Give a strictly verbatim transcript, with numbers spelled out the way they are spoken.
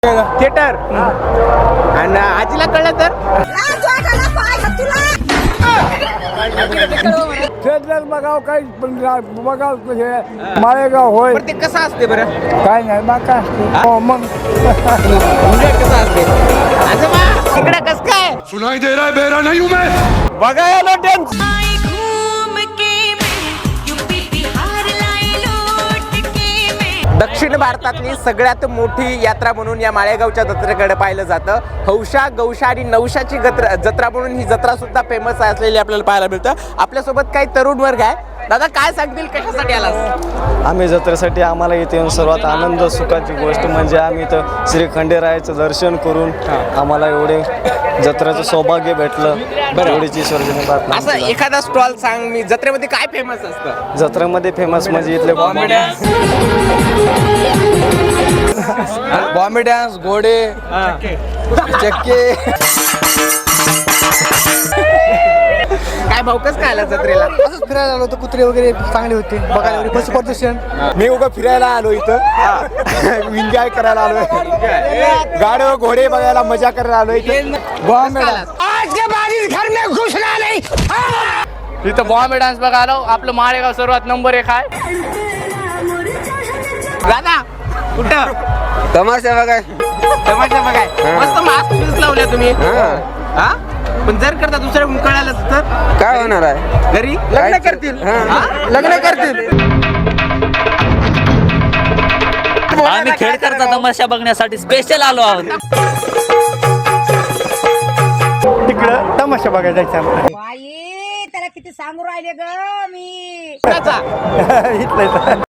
Theatre आणि आजीला कळलं तर थिएटर बघाव काही बघाव माळेगाव होय पण ते कसं असते बरं काय नाही बा काय असते हो मग म्हणजे कसं असते आजोबा इकडे कसं काय सुनाई दे रहा है बेरा नहीं हूं मैं बघायला टेन्स दक्षिण भारतातली सगळ्यात मोठी यात्रा म्हणून या माळेगावच्या जत्रेकडे पाहिलं जातं. हौशा गौशा आणि नवशाची जत्रा जत्रा म्हणून ही जत्रा सुद्धा फेमस असलेली आपल्याला पाहायला मिळतं. आपल्यासोबत काही तरुण वर्ग आहे. दादा काय सांगतील कशासाठी आलास? आम्ही जत्रेसाठी आम्हाला इथे येऊन सर्वात आनंद सुखाची गोष्ट म्हणजे आम्ही इथं श्री खंडेरायाचं दर्शन करून आम्हाला एवढे जत्रेचं सौभाग्य भेटलं. एवढीच ईश्वराची प्रार्थना. असं एखादा स्टॉल सांग मी जत्रेमध्ये काय फेमस असतं? जत्रेमध्ये फेमस म्हणजे इथले बॉम्बे डान्स घोडे चक्के काय भाऊकच काय आला जत्रेला? असंच फिरायला आलो होतो. कुत्रे वगैरे चांगले होते बघायला. पशु प्रदर्शन मी उगा फिरायला आलो इथं एन्जॉय करायला आलोय. गाडी व घोडे बघायला मजा करायला आलोय. बॉम्बे इथं बॉम्बे डान्स बघायला आपलं माळेगाव सर्वात नंबर एक आहे. दादा कुठं तमाशा बघाय तमाशा बघाय मस्त मास्क पीस लावल्या तुम्ही हा पण जर करता दुसऱ्या कळालं तर काय होणार आहे घरी लग्न करतील लग्न करतील. आम्ही खेळकरचा तमाशा बघण्यासाठी स्पेशल आलो आहोत. तिकडं तमाशा बघायला जायचं आम्हाला. बाई त्याला किती सांगू राहिले ग मी कोणाचा? इथलं